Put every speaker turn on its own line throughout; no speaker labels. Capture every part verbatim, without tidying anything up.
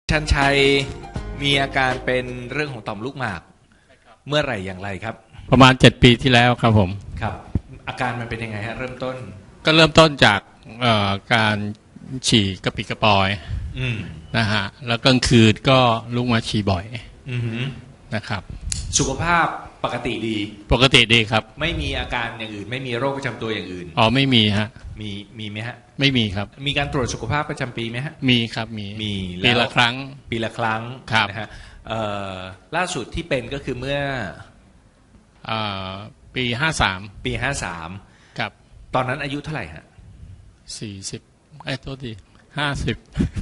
ชันชัยมีอาการเป็นเรื่องของต่อมลูกหมากเมื่อไหร่อย่างไรครับ
ประมาณเจ็ดปีที่แล้วครับผม
ครับอาการมันเป็นยังไงฮะเริ่มต้น
ก็เริ่มต้นจากการฉี่กระปิดกระปอยนะฮะแล้วกลางคืนก็ลุกมาฉี่บ่อยนะครับ
สุขภาพปกติดี
ปกติดีครับ
ไม่มีอาการอย่างอื่นไม่มีโรคประจำตัวอย่างอื่น
อ๋อไม่มีฮะ
มีมีไหมฮะ
ไม่มีครับ
มีการตรวจสุขภาพประจำปีไหมฮะ
มีครับมี
มี
ปีละครั้ง
ปีละครั้งนะฮะล่าสุดที่เป็นก็คือเมื่อ
ปีห้าสาม
ปีห้าสาม
ครับ
ตอนนั้นอายุเท่าไหร่ฮะ
สี่สิบไอ้ตัวดีห้าสิบ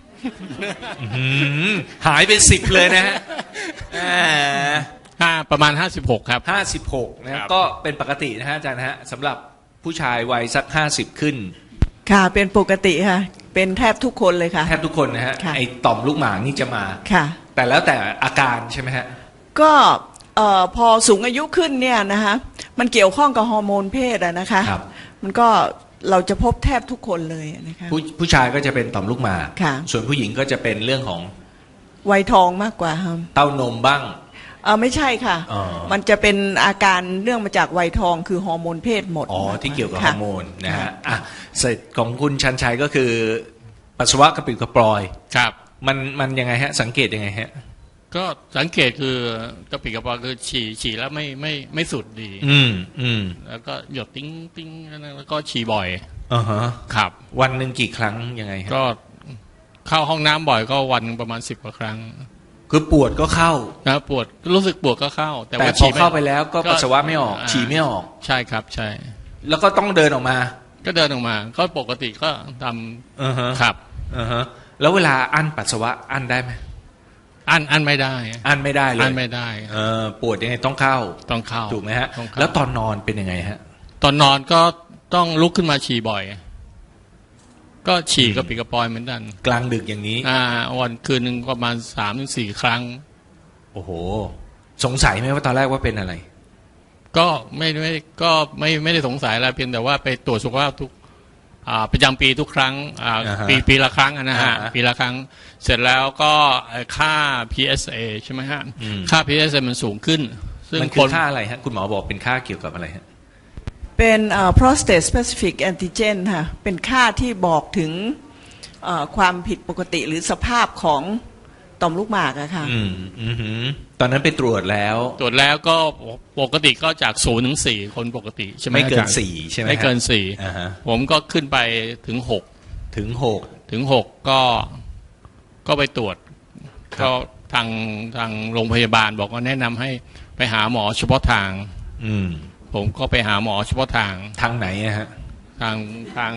หายไปสิบเลยนะฮะ
ห้าประมาณห้าสิบหกครับ
ห้าสิบหกนะก็เป็นปกตินะฮะอาจารย์ฮะสำหรับผู้ชายวัยสักห้าสิบขึ้น
ค่ะเป็นปกติค่ะเป็นแทบทุกคนเลยค่ะ
แทบทุกคนนะฮะไอ้ต่อมลูกหมากนี่จะมา
ค่ะ
แต่แล้วแต่อาการใช่ไหมฮะ
ก็เอ่อพอสูงอายุขึ้นเนี่ยนะคะมันเกี่ยวข้องกับฮอร์โมนเพศอะนะคะมันก็เราจะพบแทบทุกคนเลยนะคะ
ผู้ผู้ชายก็จะเป็นต่อมลูกหมากส่วนผู้หญิงก็จะเป็นเรื่องของ
วัยทองมากกว่าครับ
เต้านมบ้าง
เออไม่ใช่ค่ะมันจะเป็นอาการเรื่องมาจากวัยทองคือฮอร์โมนเพศหมด
อ๋อที่เกี่ยวกับฮอร์โมนนะฮะอ่ะเสร็จของคุณชันชัยก็คือปัสสาวะกระปิดกระปอย
ครับ
มันมันยังไงฮะสังเกตยังไงฮะ
ก็สังเกตคือกระปิดกระปอยคือฉี่ฉี่แล้วไม่ไม่ไม่สุดดี
อืมอืม
แล้วก็หยดติ้งติ้งแล้วก็ฉี่บ่อย
อ่าฮะ
ครับ
วันหนึ่งกี่ครั้งยังไงฮะ
ก็เข้าห้องน้ำบ่อยก็วันประมาณสิบกว่าครั้ง
คือปวดก็เข้า
นะปวดรู้สึกปวดก็เข้า
แต่ว่าพอเข้าไปแล้วก็ปัสสาวะไม่ออกฉี่ไม่ออก
ใช่ครับใช่
แล้วก็ต้องเดินออกมา
ก็เดินออกมาก็ปกติก็ทำ
อือฮะ
ครับ
อือฮะแล้วเวลาอั้นปัสสาวะอั้นได้ไหม
อั้นอั้นไม่ได้
อั้นไม่ได้เลย
อั้นไม่ได้
เออปวดยังไงต้องเข้า
ต้องเข้า
ถูกไหมฮะแล้วตอนนอนเป็นยังไงฮะ
ตอนนอนก็ต้องลุกขึ้นมาฉี่บ่อยก็ฉี่กระปิดกระปอยเหมือนกัน
กลางดึกอย่างนี้
อ่าวันคืนหนึ่งประมาณสามถึงสี่ครั้ง
โอ้โหสงสัยไหมว่าตอนแรกว่าเป็นอะไร
ก็ไม่ไม่ก็ไม่ไม่ได้สงสัยอะไรเพียงแต่ว่าไปตรวจสุขภาพทุกอ่าประจำปีทุกครั้งอ่าปีปีละครั้งนะฮะปีละครั้งเสร็จแล้วก็ค่า พี เอส เอ ใช่ไหมฮะค่า พี เอส เอ มันสูงขึ้น
ซึ่งมันคือค่าอะไรฮะคุณหมอบอกเป็นค่าเกี่ยวกับอะไรฮะ
เป็น prostate specific antigen ค่ะเป็นค่าที่บอกถึงความผิดปกติหรือสภาพของต่อมลูกหมากอะค่ะ
อืมอืมตอนนั้นไปตรวจแล้ว
ตรวจแล้วก็ปกติก็จากศูนย์ถึงสี่คนปกติใช่ไหม
ไม่เกินสี่ใช่ไหม
ไม่เกินสี่ผมก็ขึ้นไปถึงหก
ถึงหก
ถึงหกก็ก็ไปตรวจก็ทางทางโรงพยาบาลบอกว่าแนะนำให้ไปหาหมอเฉพาะทาง
อืม
ผมก็ไปหาหมอเฉพาะทาง
ทางไหนอะฮะ
ทางทาง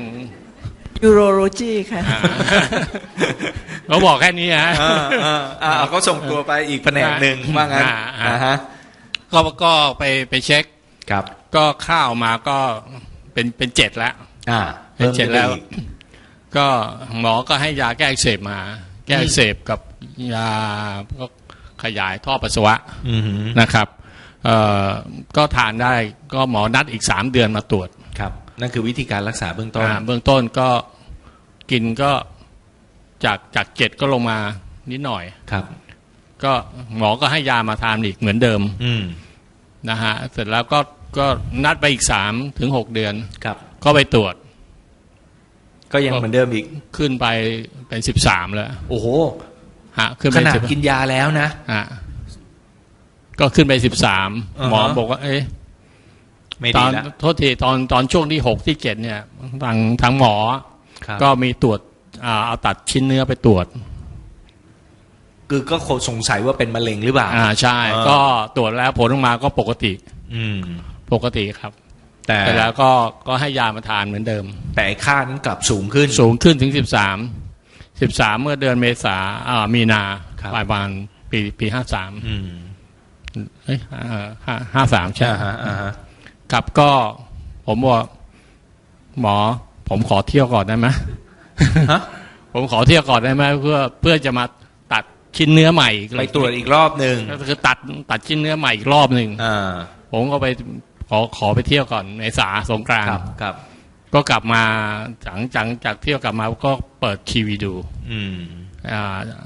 urology ค่ะ
เขาบอกแค่นี้ฮะ
อ่าเขาส่งตัวไปอีกแผนกหนึ่งว่างั้นอ่าฮะ
ก็ก็ไปไปเช็ค
ครับ
ก็ข้าวมาก็เป็นเป็นเจ็ดแล้ว
อ่า
เป็นเจ็ดแล้วก็หมอก็ให้ยาแก้อักเสบมาแก้อักเสบกับยาก็ขยายท่อปัสสาวะนะครับเอ่อก็ทานได้ก็หมอนัดอีกสามเดือนมาตรวจ
ครับนั่นคือวิธีการรักษาเบื้องต้น
เบื้องต้นก็กินก็จากจากเจ็ดก็ลงมานิดหน่อย
ครับ
ก็หมอก็ให้ยามาทานอีกเหมือนเดิม
อืม
นะฮะเสร็จแล้วก็ก็นัดไปอีกสามถึงหกเดือน
ครับ
ก็ไปตรวจ
ก็ยังเหมือนเดิมอีก
ขึ้นไปเป็นสิบสามแล้ว
โอ้โห
ฮะขึ้น
ไปขนาดกินยาแล้วนะ
ฮะก็ขึ้นไปสิบสามหมอบอกว่าเอ๊ะตอนโทษทีตอนตอนช่วงที่หกที่เจ็ดเนี่ยทางทางหมอก็มีตรวจเอาตัดชิ้นเนื้อไปตรวจ
คือก็สงสัยว่าเป็นมะเร็งหรือเปล่า
อ่าใช่ก็ตรวจแล้วผลออกมาก็ปกติ
อืม
ปกติครับแต่แล้วก็ก็ให้ยามาทานเหมือนเดิม
แต่ค่านั้นกลับสูงขึ้น
สูงขึ้นถึงสิบสามสิบสามเมื่อเดือนเมษาอ่ามีนาปลายวันปีปีห้าสาม
อืม
เอ้ยห้าห้าสามใช่
ฮะอ่าฮะ
ครับก็ผมบอกหมอผมขอเที่ยวก่อนได้ไหม
ฮะ
ผมขอเที่ยวก่อนได้ไหมเพื่อเพื่อจะมาตัดชิ้นเนื้อใหม่
ไปตรวจอีกรอบหนึ่ง
ก็คือตัดตัดชิ้นเนื้อใหม่อีกรอบหนึ่งผมก็ไปขอขอไปเที่ยวก่อนในสาสงกรานต์
ครับ
ก็กลับมาหลังจากจากเที่ยวกลับมาก็เปิดทีวีดู
อืม
อ่า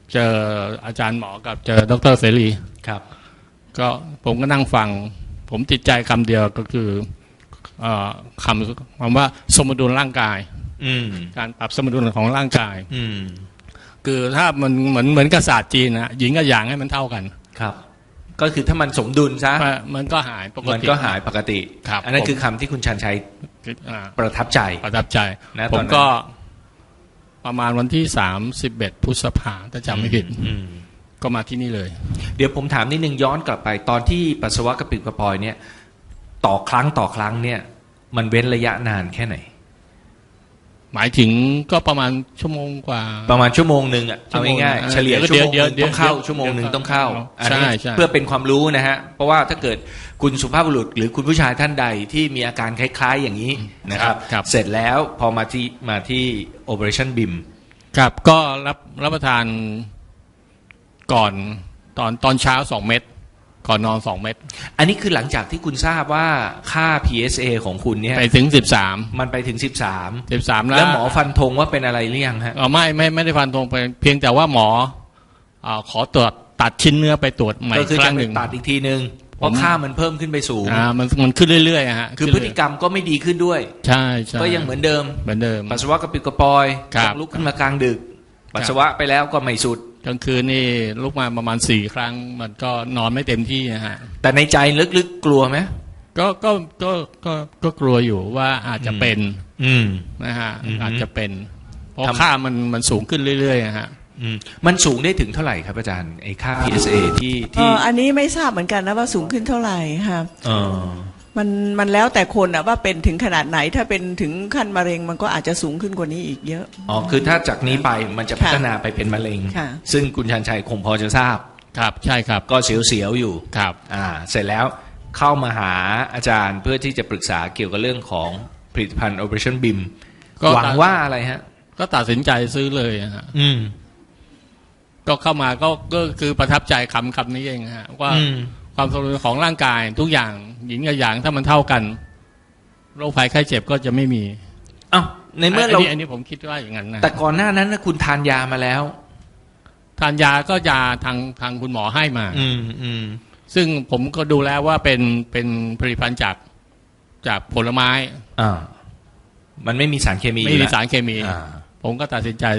เจออาจารย์หมอกับเจอดรเสรี
ครับ
ก็ผมก็นั่งฟังผมติดใจคำเดียวก็คือเอ่อคำคำว่าสมดุลร่างกาย
อืม
การปรับสมดุลของร่างกาย
อืม
คือถ้ามันเหมือนเหมือนกับศาสตร์จีนนะหญิงกับหยางให้มันเท่ากัน
ครับ ก็คือถ้ามันสมดุลซะ
มันก็หายปก
มัน
ติ
ก็หายปกติ
ครับ
อันนั้น
ผม
คือคำที่คุณชันชัย
อ่า
ประทับใจ
ประทับใจ
นะ
ผ
ตอน
ม
นั้น
ก็ประมาณวันที่สามสิบเอ็ดพฤษภาถ้าจำไม่ผิด
อืม
ก็มาที่นี่เลย
เดี๋ยวผมถามนิดนึงย้อนกลับไปตอนที่ปัสสาวะกระปิดกระปอยเนี่ย ต่อครั้งต่อครั้งเนี่ย มันเว้นระยะนานแค่ไหน
หมายถึงก็ประมาณชั่วโมงกว่า
ประมาณชั่วโมงหนึ่งอ่ะ
ชั่
เอา
วโมง
ง่าย
เออ
ๆเฉลี่ย
เดี๋ยว
ชั่วโมงห
เดี๋ยว
นึ่ง
เดี๋ยว
ต้องเข้า
เดี๋ยว
ชั่วโมงหนึ่ง
เดี๋ยว
ต้องเข้า
ใช่
อันนี้
ใช่
เพื่อเป็นความรู้นะฮะ เพราะว่าถ้าเกิดคุณสุภาพบุรุษหรือคุณผู้ชายท่านใดที่มีอาการคล้ายๆอย่างนี้นะครับ
ครับ
เสร็จแล้วพอมาที่มาที่ Operationบี เอ็ม
ครับก็รับรับประทานก่อนตอนตอนเช้าสองเม็ดก่อนนอนสองเม็ด
อันนี้คือหลังจากที่คุณทราบว่าค่า พี เอส เอ ของคุณเนี่ย
ไปถึงสิบสาม
มันไปถึงสิบสาม
สิบสามแล้
แล้ว วหมอฟันธงว่าเป็นอะไรหรือยังฮะ
เออไม่ไม่ไม่ได้ฟันตรงไปเพียงแต่ว่าหมออ่าขอตรวจตัดชิ้นเนื้อไปตรวจใหม่
ก็คือ
ครั้
จะ
งห
ไป
นึ่ง
ตัดอีกทีนึงเพราะ
ผม
ค่ามันเพิ่มขึ้นไปสูง
อ่ามันมันขึ้นเรื่อยๆอะฮะ
คือพฤติกรรมก็ไม่ดีขึ้นด้วย
ใช่ใช่
ก็ยังเหมือนเดิม
เหมือนเดิม
ปัสสาวะกระปิดกระปอย
ครับ
ต้องลุกขึ้นมากลางดึก ปัสสาวะไปแล้วก็ไม่สุด
กลางคืนนี่ลุกมาประมาณสี่ครั้ง มันก็นอนไม่เต็มที่นะฮะ
แต่ในใจลึกๆกลัวไหม
ก็ก็ก็ก็ก็กลัวอยู่ว่าอาจจะเป็น
อืม
นะฮะ
อืม
อาจจะเป็น เพราะ
ทำ
ค่ามันมันสูงขึ้นเรื่อยๆอะฮะ
อืมมันสูงได้ถึงเท่าไหร่ครับอาจารย์ไอ้ค่า พี เอส เอ ที่
เอ่
ที่
ออันนี้ไม่ทราบเหมือนกันนะว่าสูงขึ้นเท่าไหร่ค่ะ
เออ
มันมันแล้วแต่คนอะว่าเป็นถึงขนาดไหนถ้าเป็นถึงขั้นมะเร็งมันก็อาจจะสูงขึ้นกว่านี้อีกเยอะ
อ๋อคือถ้าจากนี้ไปมันจะ
ค่ะ
พัฒนาไปเป็นมะเร็ง
ค่ะ
ซึ่งคุณชันชัยคงพอจะทราบ
ครับใช่ครับ
ก็เสียวๆอยู่
ครับ
อ่า เสร็จแล้วเข้ามาหาอาจารย์เพื่อที่จะปรึกษาเกี่ยวกับเรื่องของผลิตภัณฑ์ Operation บี เอ็ม
ก็
หวังว่าอะไรฮะ
ก็ตัดสินใจซื้อเลยอะฮะ
อืม
ก็เข้ามาก็ก็คือประทับใจคำคำนี้เองฮะว่า
อืม
ความสมดุลของร่างกายทุกอย่างหญิงกับหยางถ้ามันเท่ากันโรคภัยไข้เจ็บก็จะไม่มี
อ้าวในเมื่อเรา
นนี้อันนี้ผมคิดว่าอย่างนั้นนะ
แต่ก่อนหน้านั้นนะคุณทานยามาแล้ว
ทานยาก็ยาทางทางคุณหมอให้มา
อืมอืม
ซึ่งผมก็ดูแล้วว่าเป็นเป็นผลิตภัณฑ์จากจากผลไม้
อ่า มันไม่มีสารเคมี
ไม่
อยู่
มี
แล้ว
สารเคมี
อ่า
ผมก็ตัดสินใจ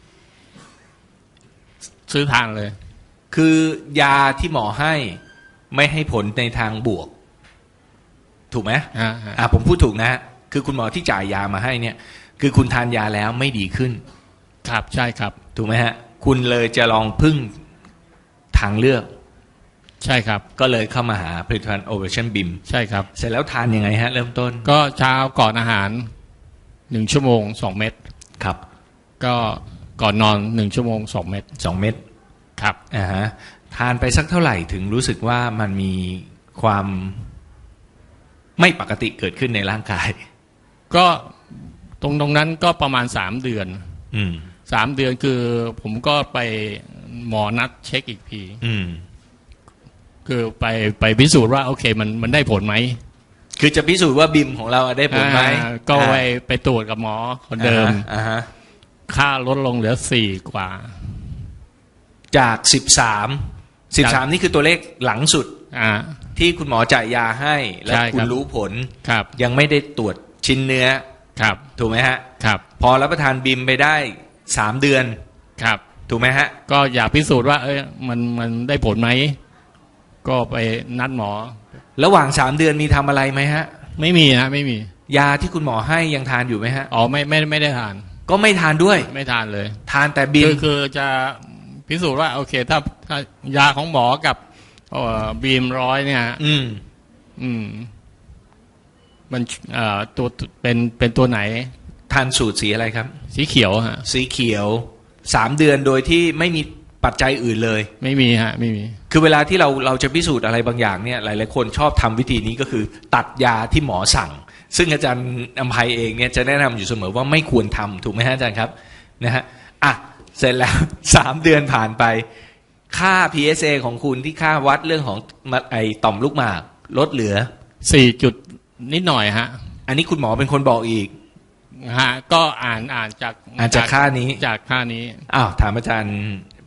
ซื้อทานเลย
คือยาที่หมอให้ไม่ให้ผลในทางบวก ถูกไหม
ฮะฮะ
อ่าผมพูดถูกนะฮะคือคุณหมอที่จ่ายยามาให้เนี่ย คือคุณทานยาแล้วไม่ดีขึ้น
ครับใช่ครับ
ถูกไหมฮะ คุณเลยจะลองพึ่งทางเลือก
ใช่ครับ
ก็เลยเข้ามาหาผลิตภัณฑ์ Operation บี เอ็ม
ใช่ครับ
เสร็จแล้วทานยังไงฮะ เริ่มต้น
ก็เช้าก่อนอาหารหนึ่งชั่วโมงสองเม็ด
ครับ
ก็ก่อนนอนหนึ่งชั่วโมงสองเม็ด
สองเม็ด
ครับ
อ่าฮะทานไปสักเท่าไหร่ถึงรู้สึกว่ามันมีความไม่ปกติเกิดขึ้นในร่างกาย
ก็ตรงตรงนั้นก็ประมาณสามเดือน
อืม
สามเดือนคือผมก็ไปหมอนัดเช็คอีกที
อืม
คือไปไปพิสูจน์ว่าโอเคมันมันได้ผลไหม
คือจะพิสูจน์ว่าบิมของเราได้ผลไหม
อ่าก็ไปไปตรวจกับหมอคนเดิม
อ่าฮะ
ค่าลดลงเหลือสี่กว่า
จากสิบสามสิบสามนี่คือตัวเลขหลังสุด
อ่า
ที่คุณหมอจ่ายยาให้ และ
ใช่ครับ
คุณรู้ผล
ครับ
ยังไม่ได้ตรวจชิ้นเนื้อ
ครับ
ถูกไหมฮะ
ครับ
พอรับประทานบิมไปได้สามเดือน
ครับ
ถูกไหมฮะ
ก็อยากพิสูจน์ว่า เอ้ยมันมันได้ผลไหมก็ไปนัดหมอ
ระหว่างสามเดือนมีทำอะไรไหมฮะ
ไม่มีฮะไม่มี
ยาที่คุณหมอให้ยังทานอยู่ไหมฮะ
อ๋อไม่ไม่ไม่ได้ทาน
ก็ไม่ทานด้วย
ไม่ทานเลย
ทานแต่บิม
คือคือจะพิสูจน์ว่า โอเค ถ้าถ้ายาของหมอกับเอ่อบีมร้อยเนี่ย
อืม
อืม มันเอ่อตัวเป็นเป็นตัวไหน
ทานสูตรสีอะไรครับ
สีเขียวฮะ
สีเขียวสามเดือนโดยที่ไม่มีปัจจัยอื่นเลย
ไม่มีฮะ ไม่มี
คือเวลาที่เราเราจะพิสูจน์อะไรบางอย่างเนี่ยหลายๆคนชอบทำวิธีนี้ก็คือ ตัดยาที่หมอสั่ง ซึ่งอาจารย์อภัยเองเนี่ยจะแนะนำอยู่เสมอว่าไม่ควรทำถูกไหมฮะอาจารย์ครับนะฮะอ่ะเสร็จแล้ว สามเดือนผ่านไป ค่า พี เอส เอ ของคุณที่ค่าวัดเรื่องของไอต่อมลูกหมากลดเหลือ
สี่จุดนิดหน่อยฮะ
อันนี้คุณหมอเป็นคนบอกอีก
ฮะ ก็อ่านอ่านจาก
อ่านจากค่านี้
จากค่านี้
อ้าวถามอาจารย์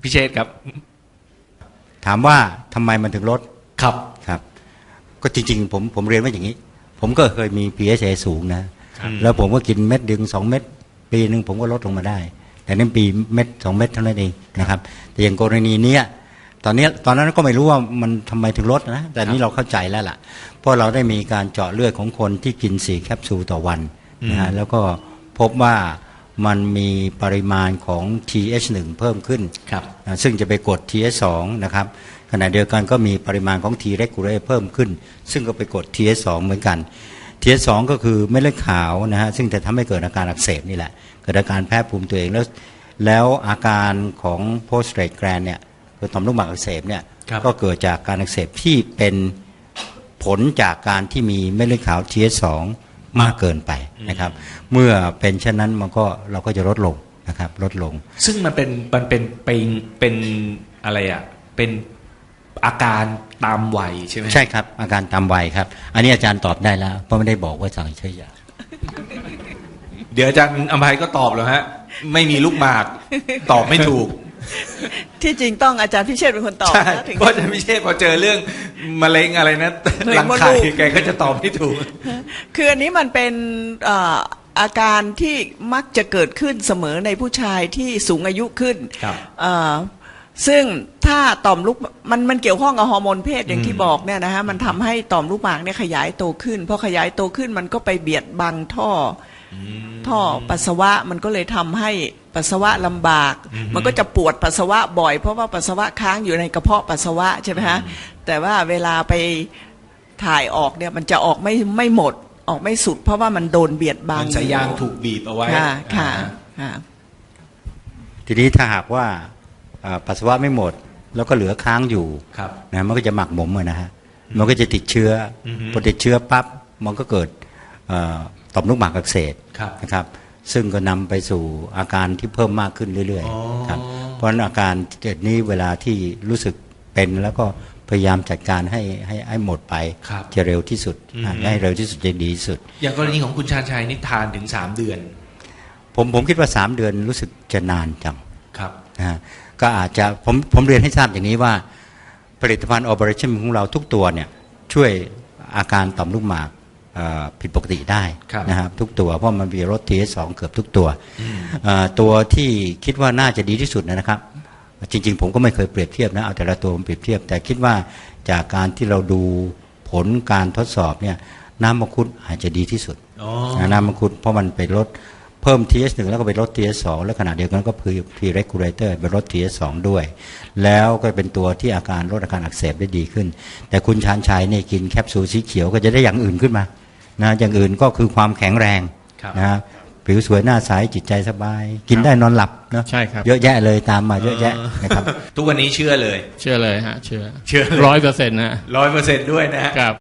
พิเชษครับ
ถามว่าทำไมมันถึงลด
ครับ
ครับก็จริงๆผมผมเรียนว่าอย่างนี้ ผมก็เคยมี พี เอช เอ สูงนะแล้วผมก็กินเม็ดดึงสองเม็ดปีหนึ่งผมก็ลดลงมาได้ แต่นั่นปีเม็ดสองเม็ดเท่านั้นเองนะครับแต่อย่างกรณีเนี้ยตอนนี้ตอนนั้นก็ไม่รู้ว่ามันทำไมถึงลดนะแต่นี้เราเข้าใจแล้วล่ะเพราะเราได้มีการเจาะเลือดของคนที่กินสี่แคปซูลต่อวันนะฮะแล้วก็พบว่ามันมีปริมาณของ ที เอช หนึ่ง เพิ่มขึ้น
ครับ
นะซึ่งจะไปกด ที เอช สอง นะครับขณะเดียวกันก็มีปริมาณของ T regulator เพิ่มขึ้นซึ่งก็ไปกด ที เอช สอง เหมือนกัน ที เอช สอง ก็คือเม็ดเลือดขาวนะฮะซึ่งจะทำให้เกิดอาการอักเสบนี่แหละเกิดอาการแพ้ภูมิตัวเองแล้วแล้วอาการของ prostate gland เนี่ยคือต่อมลูกหมากอักเสบเนี่ยก็เกิดจากการอักเสบที่เป็นผลจากการที่มีเม็ดเลือดขาว ที เอช สอง มากเกินไปนะครับเมื่อเป็นเช่นนั้นมันก็เราก็จะลดลงนะครับลดลง
ซึ่งมันเป็นมันเป็นเป็นเป็นอะไรอ่ะเป็นอาการตามวัยใช่ไหม
ใช่ครับอาการตามวัยครับอันนี้อาจารย์ตอบได้แล้วเพราะไม่ได้บอกว่าสั่งใช้ยา
เดี๋ยวอาจารย์อภัยก็ตอบแล้วฮะไม่มีลูกหมากตอบไม่ถูก
ที่จริงต้องอาจารย์พิเชษฐ์เป็นคนตอบ
ใช่
นะถึง
เพราะอาจารย์พิเชษพอเจอเรื่องมะเร็งอะไรนะ
มะเร็
รั
ง
ง
มด
ไข่
ลูก
แกก็จะตอบไม่ถูก
คืออันนี้มันเป็นเอ่ออาการที่มักจะเกิดขึ้นเสมอในผู้ชายที่สูงอายุขึ้น
ครับ
เอ่อซึ่งถ้าต่อมลูกมันมันเกี่ยวข้องกับฮอร์โมนเพศอย่างที่
อืม
บอกเนี่ยนะฮะมันทำให้ต่อมลูกหมากเนี่ยขยายโตขึ้นพอขยายโตขึ้นมันก็ไปเบียดบังท่ออท่อปัสสาวะมันก็เลยทำให้ปัสสาวะลำบาก มันก็จะปวดปัสสาวะบ่อยเพราะว่าปัสสาวะค้างอยู่ในกระเพาะปัสสาวะใช่ไหมฮะแต่ว่าเวลาไปถ่ายออกเนี่ยมันจะออกไม่ไม่หมดออกไม่สุด เพราะว่ามันโดนเบียดบัง
มันสายยางถูกบีบเอาไว้
ค่ะค่ะ
อ่า
ค่ะ
ทีนี้ถ้าหากว่าอ่าปัสสาวะไม่หมดแล้วก็เหลือค้างอยู่
ครับ
นะมันก็จะหมักหมมอะนะฮะมันก็จะติดเชื้ออ
อฮึ
พอติดเชื้อปั๊บมันก็เกิดเอ่อต่อมลูกหมากอักเสบ
ครับ
นะครับซึ่งก็นำไปสู่อาการที่เพิ่มมากขึ้นเรื่อย
อ๋อ
ๆครับเพราะฉะนั้นอาการเกิดนี้เวลาที่รู้สึกเป็นแล้วก็พยายามจัดการให้ให้ให้หมดไป
ครับ
จะเร็วที่สุด
อืม
อ่าให้เร็วที่สุดจะดีที่สุด
อย่างกรณีของคุณชาญชัยนี่ทานถึงสามเดือน
ผมผมคิดว่าสามเดือนรู้สึกจะนานจัง
ครับ
นะฮะก็อาจจะผมผมเรียนให้ทราบอย่างนี้ว่าผลิตภัณฑ์ Operation ของเราทุกตัวเนี่ยช่วยอาการต่อมลูกหมากเอ่อผิดปกติได้
ครับ
นะครับทุกตัวเพราะมันมีลด ที เอช สอง เกือบทุกตัวเอ่อตัวที่คิดว่าน่าจะดีที่สุดนะครับจริงๆผมก็ไม่เคยเปรียบเทียบนะเอาแต่ละตัวมาเปรียบเทียบ แต่คิดว่าจากการที่เราดูผลการทดสอบเนี่ยน้ำมังคุดอาจจะดีที่สุด
อ๋อ
นะน้ำมังคุดเพราะมันไปลดเพิ่ม ที เอช หนึ่ง แล้วก็ไปลด ที เอช สอง แล้วขณะเดียวกันก็คือ T regulator ไปลด ที เอช สอง ด้วย แล้วก็เป็นตัวที่อาการลดอาการอักเสบได้ดีขึ้น แต่คุณชาญชัยเนี่ยกินแคปซูลสีเขียวก็จะได้อย่างอื่นขึ้นมานะอย่างอื่นก็คือความแข็งแรง
ครับ
นะผิวสวยหน้าใสจิตใจสบาย กินได้นอนหลับเนอะ
ใช่ครับ
เยอะแยะเลยตามมาเยอะแยะนะครับ
ทุกวันนี้เชื่อเลย
เชื่อเลยฮะเชื่อ
เชื่อ
ร้อยเปอร์เซ็นต์นะ
ร้อยเปอร์เซ็นต์ด้วยนะฮะ
ครับ